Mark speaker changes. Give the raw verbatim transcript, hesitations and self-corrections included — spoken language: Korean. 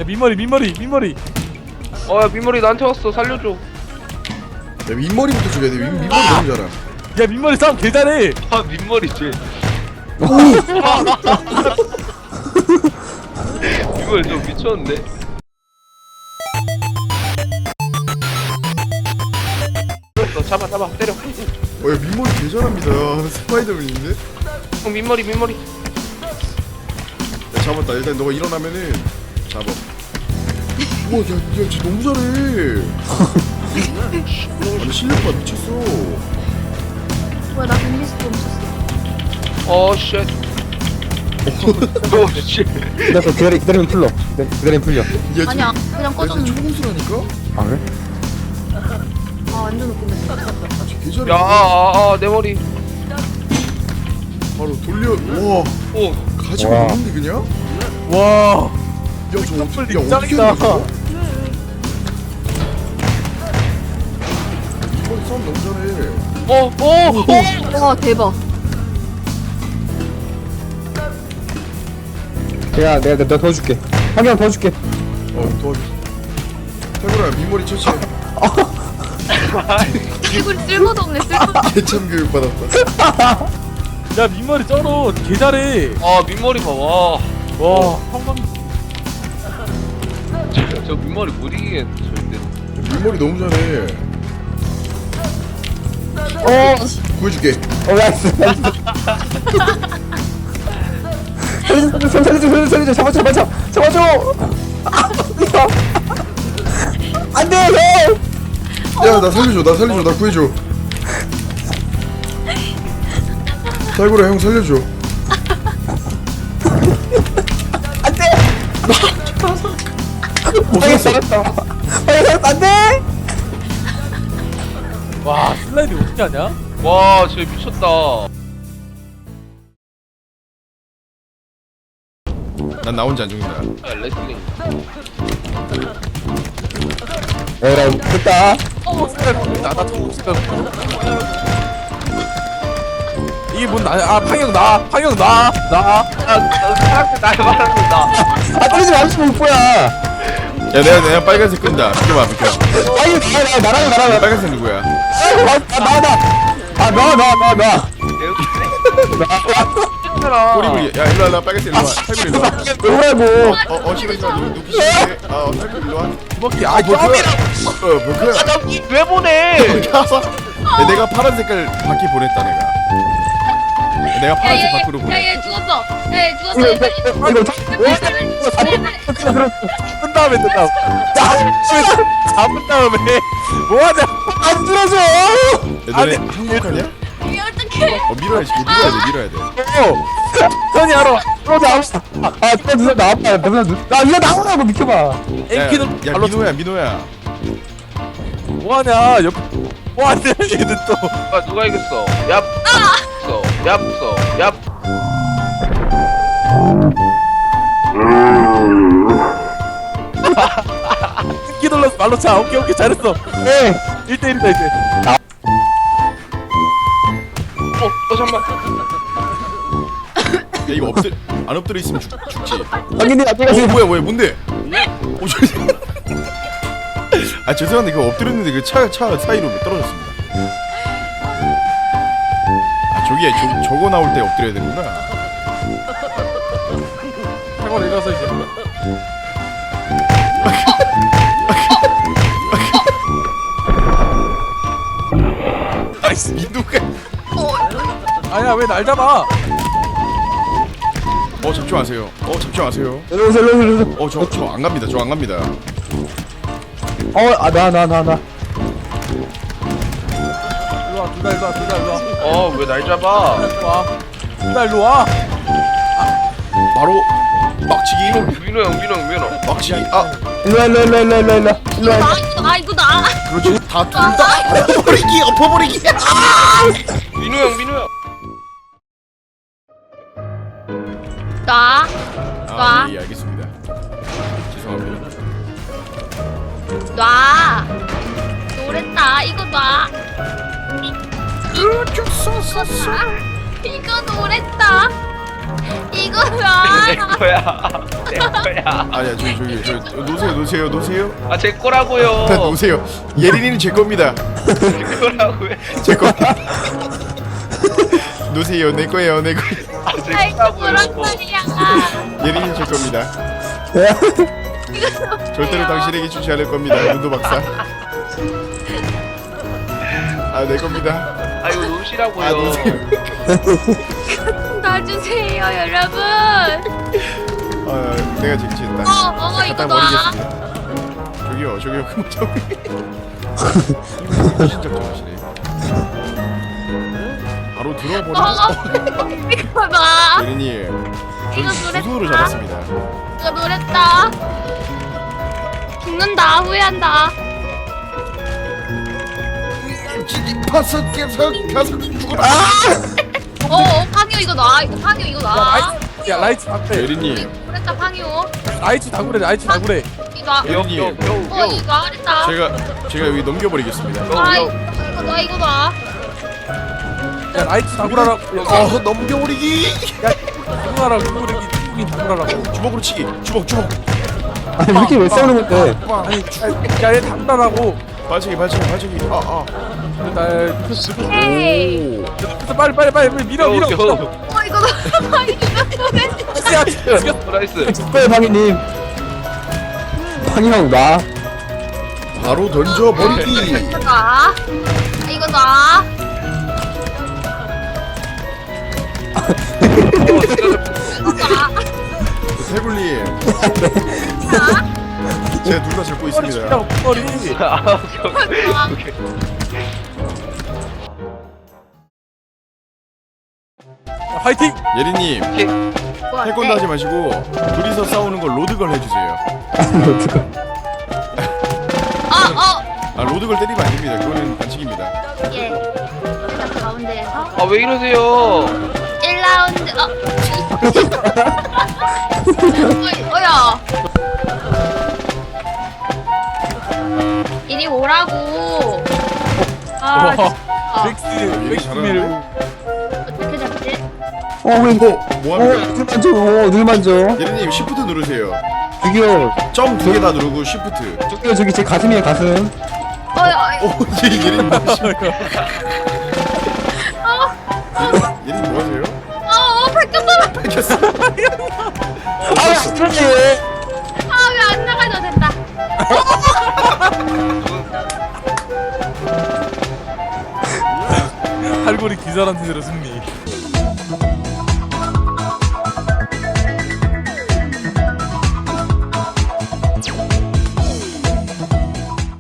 Speaker 1: 야 민머리 민머리 민머리.
Speaker 2: 어야 민머리 나한테 왔어. 살려줘.
Speaker 3: 야 윗머리부터 죽여야 돼. 윗, 윗머리 너무 잘하.
Speaker 1: 야 민머리 싸움 개 잘해.
Speaker 2: 아 민머리지. 이걸 좀 미쳤는데. 너 잡아 잡아 때려.
Speaker 3: 어야 윗머리 개 잘합니다. 스파이더맨인데?
Speaker 2: 어 민머리 민머리.
Speaker 3: 야 잡았다. 일단 너가 일어나면은 잡아. 우와 야, 야 진짜 너무 잘해. 아니 실력봐 미쳤어.
Speaker 4: 뭐야 나 빈리스트 멈췄어.
Speaker 2: 어 쉣. 오 쉣.
Speaker 5: 기다려 기다려 기다리면 풀려. 기다리- 기다리면 풀려.
Speaker 3: 야, 지금-
Speaker 4: 아니야 그냥
Speaker 3: 야 진짜
Speaker 4: 꺼졌는데.
Speaker 3: 초공수라니까?
Speaker 5: 아 그래?
Speaker 4: 아 완전 웃긴다.
Speaker 3: 개 잘해.
Speaker 2: 야아내 머리.
Speaker 3: 바로 돌려. 우와
Speaker 2: 오.
Speaker 3: 가지고
Speaker 5: 와.
Speaker 3: 노는데 그냥?
Speaker 1: 와.
Speaker 3: 야저 어떻게 야 어떻게
Speaker 1: 짱이다.
Speaker 3: 하는 거야? 윗머리 싸움 너무 잘해.
Speaker 2: 어, 어, 어.
Speaker 4: 와 대박.
Speaker 5: 야 내가 내가 도와줄게. 한 명 도와줄게.
Speaker 3: 어 도와줘. 태구라 윗머리 처치해.
Speaker 4: 얼굴 쓸모도 없네 쓸모.
Speaker 3: 개참 교육 받았다.
Speaker 1: 야 민머리 쩔어 개 잘해.
Speaker 2: 아 민머리 봐. 와.
Speaker 1: 와 성광.
Speaker 2: 저, 저 민머리 못 이기겠네 절대.
Speaker 3: 윗머리 너무 잘해.
Speaker 5: 어.
Speaker 3: 구해줄게.
Speaker 5: 어 나이스. 나이스. 살려줘 살려줘 살려줘 살려줘 잡아줘 잡아줘 잡아줘. 아, 이거. 안돼 형.
Speaker 3: 야 나 살려줘 나 살려줘 나 구해줘. 태구라 형 살려줘.
Speaker 5: 안돼. 방에 살았다. 방에 살았다 안돼.
Speaker 1: 와 슬라이드 어떻게 하냐?
Speaker 2: 와 진짜 미쳤다.
Speaker 3: 난 나 혼자 안 죽는다.
Speaker 2: 아, 레슬링.
Speaker 5: 에라 됐다.
Speaker 1: 나나 초록색깔. 이게 뭔 나? 아 방영 나 방영 나 나.
Speaker 2: 나 사람들 날 말하는 나.
Speaker 5: 아 때리지 마시고 뭐야.
Speaker 3: 야 내가 내가 빨간색 끈다. 비켜봐 비켜.
Speaker 5: 아니 나 나랑 나랑
Speaker 3: 빨간색 누구야?
Speaker 5: 아나나나나나나
Speaker 2: 힘들어.
Speaker 3: 꼬리부리. 야 일로 와 나 빨간색 일로 와. 태구 일로 와.
Speaker 5: 뭐라고.
Speaker 3: 어어 싫어 싫어 누 누구 싫어? 아어 태구 일로 와.
Speaker 1: 주먹기 아
Speaker 3: 아 뭐야?
Speaker 1: 껴이라.
Speaker 3: 어 뭐야?
Speaker 2: 왜 보내?
Speaker 3: 야, 내가 파란 색깔 바퀴 보냈다 내가. 내가 파란색 밖으로 보내.
Speaker 4: 야얘 죽었어. 야얘 죽었어. 얘 빨리.
Speaker 5: 이거
Speaker 1: 끈 다음에 끈 다음. 잡은 다음에 뭐하냐?
Speaker 5: 안 들어줘.
Speaker 3: 야, 너네
Speaker 1: 아니,
Speaker 3: 한국하냐?
Speaker 4: 이게 어떡해.
Speaker 3: 어 밀어야지 밀어야 돼 밀어야 돼.
Speaker 1: 어. 선이 알아.
Speaker 5: 들어줘. 아 진짜 누나 나왔다. 누나 나 이거 나오라고 비켜봐.
Speaker 3: 야,
Speaker 1: 앵키는
Speaker 3: 야
Speaker 1: 발로
Speaker 3: 민호야 민호야.
Speaker 1: 뭐하냐? 옆. 뭐하냐 얘는 또.
Speaker 2: 아 누가 이겼어? 얍. 써. 얍 써. 얍.
Speaker 1: 앵키 돌려서 발로 차. 오케이 오케이 잘했어.
Speaker 5: 네.
Speaker 1: 일 대 일이다 이제.
Speaker 2: 어, 어 잠만.
Speaker 3: 야 이거 엎드 안 엎드려 있으면 죽, 죽지.
Speaker 5: 당연히 앞에가
Speaker 3: 어
Speaker 5: 지금
Speaker 3: 뭐야 뭐야 뭔데? 어 저. 아 죄송한데 그 엎드렸는데 그 차 차 사이로 떨어졌습니다. 아 저기에 저 저거 나올 때 엎드려야 되는구나.
Speaker 1: 태권 일어서 이제.
Speaker 3: 아이씨 민호가.
Speaker 1: 아니야 왜 날 잡아?
Speaker 3: 어 잡지 마세요. 어 잡지 마세요.
Speaker 5: 일로 오세요 일로 오세요.
Speaker 3: 어 저 저 안 갑니다. 저 안 갑니다.
Speaker 5: 어아나 나 나 나.
Speaker 1: 일로 와, 둘 다 일로 와, 둘 다 일로 와.
Speaker 2: 어 왜 날 잡아?
Speaker 1: 일로 와. 둘 다 일로 와.
Speaker 3: 바로 막치기.
Speaker 2: 민호 형 민호 형 민호.
Speaker 3: 막치기. 아
Speaker 5: 일로 와, 일로 와, 일로 와, 일로 와, 일로 와, 일로
Speaker 4: 이거
Speaker 5: 와.
Speaker 4: 나 이거 나 이거 나.
Speaker 3: 그렇지 다둘다 엎어버리기 엎어버리기.
Speaker 2: 민호 형 민호 형.
Speaker 4: 나. 놔.
Speaker 3: 아예 알겠습니다. 죄송합니다.
Speaker 4: 놔. 노랬다. 이거 놔. 이거 노랬다. 이거 놔.
Speaker 2: 내 거야. 내 거야.
Speaker 3: 아니야 저기 저기 저 놓으세요 놓으세요 놓으세요.
Speaker 2: 아 제 거라고요.
Speaker 3: 일단 놓으세요. 예린이는 제 겁니다.
Speaker 2: 제 거라고요.
Speaker 3: 제 겁니다. 놓으세요 내 거예요 내 거.
Speaker 2: 아제
Speaker 4: 아이고 그런
Speaker 2: 거라고요.
Speaker 4: 소리야.
Speaker 3: 예린이는 제 겁니다. 절대로 당신에게 주지 않을 겁니다. 문도 박사. 아 내 겁니다.
Speaker 2: 아 이거 놓으시라고요.
Speaker 3: 아 놓으세요.
Speaker 4: 놔주세요 여러분.
Speaker 3: 아 내가 쟁취했다.
Speaker 4: 어 어머 이거
Speaker 3: 갖다
Speaker 4: 놔.
Speaker 3: 버리겠습니다. 저기요 저기요 그만 저기. 신작 좀 하시네. 바로 들어버리고.
Speaker 4: 어 이거 놔.
Speaker 3: 예린이.
Speaker 4: 이거
Speaker 3: 전
Speaker 4: 노랬다.
Speaker 3: 수소로 잡았습니다.
Speaker 4: 이거 노랬다. 죽는다 후회한다.
Speaker 3: 파서 계속 가서 죽어라.
Speaker 4: 어, 어 팡요 이거 놔. 이거 팡요 이거
Speaker 1: 야
Speaker 4: 놔.
Speaker 1: 라이트 야 라이트 다구래
Speaker 3: 예린이.
Speaker 4: 노랬다 팡요.
Speaker 1: 라이트 다구래 라이트 다구래
Speaker 4: 이거 놔.
Speaker 3: 예린이.
Speaker 4: 어
Speaker 2: 요요요.
Speaker 4: 이거 놔랬다.
Speaker 3: 제가 제가 여기 넘겨버리겠습니다.
Speaker 4: 아 이거 이거 놔 이거 놔.
Speaker 1: 야 라이트 다구라라고
Speaker 3: 어 넘겨버리기.
Speaker 1: 다구라라고 누구르기 누구긴 다구라라고
Speaker 3: 주먹으로 치기. 주먹 주먹.
Speaker 5: 아니 이렇게 왜 싸우는 건데?
Speaker 1: 아니 야얘 다구라라고
Speaker 3: 발차기 발차기 발차기. 아 아.
Speaker 1: 날 그래서
Speaker 4: 헤이.
Speaker 1: 빨리 빨리 빨리 빨리 밀어 밀어
Speaker 2: 요.
Speaker 1: 밀어.
Speaker 4: 어 이거 놔. 이거 노랬다.
Speaker 1: 야 죽였어.
Speaker 2: 나이스.
Speaker 5: 네 방이님. 방이 형 놔.
Speaker 3: 바로 던져버리기.
Speaker 4: 이거 놔. 아, 이거 놔. 이거 놔.
Speaker 3: 태블님.
Speaker 4: 놔.
Speaker 3: 제가 둘 다 잡고 있습니다.
Speaker 1: 머리
Speaker 2: 아 오케이 오케이.
Speaker 1: 화이팅.
Speaker 3: 예린님
Speaker 4: 뭐야,
Speaker 3: 태권도
Speaker 4: 네.
Speaker 3: 하지 마시고 둘이서 싸우는 걸 로드걸 해주세요.
Speaker 4: 어, 어.
Speaker 3: 아 로드걸 때리면 안 됩니다. 그거는 반칙입니다.
Speaker 4: 예. 일단 가운데에서
Speaker 2: 아 왜 이러세요?
Speaker 4: 일 라운드. 어. 어이, 어야. 이리 오라고. 아,
Speaker 1: 와
Speaker 4: 진짜.
Speaker 1: 렉스 렉스 밀고
Speaker 4: 어떻게 잡지?
Speaker 5: 어왜 이거?
Speaker 3: 뭐
Speaker 5: 어
Speaker 3: 합니까?
Speaker 5: 눈 만져. 어, 눈 만져.
Speaker 3: 예린님 시프트 누르세요.
Speaker 5: 저기요.
Speaker 3: 점 두 개 다 누르고 시프트.
Speaker 5: 저기요 저기 제 가슴이에요 가슴.
Speaker 4: 어이, 어이.
Speaker 3: 오 예, 예린님 뭐 하세요? 예린님 뭐 하세요?
Speaker 4: 어, 어, 바뀌었어.
Speaker 3: 뺏겼어.
Speaker 5: 아 그러지.
Speaker 4: 아, 왜 안 나가져? 됐다.
Speaker 1: 할고리 기절한 태세로 승리.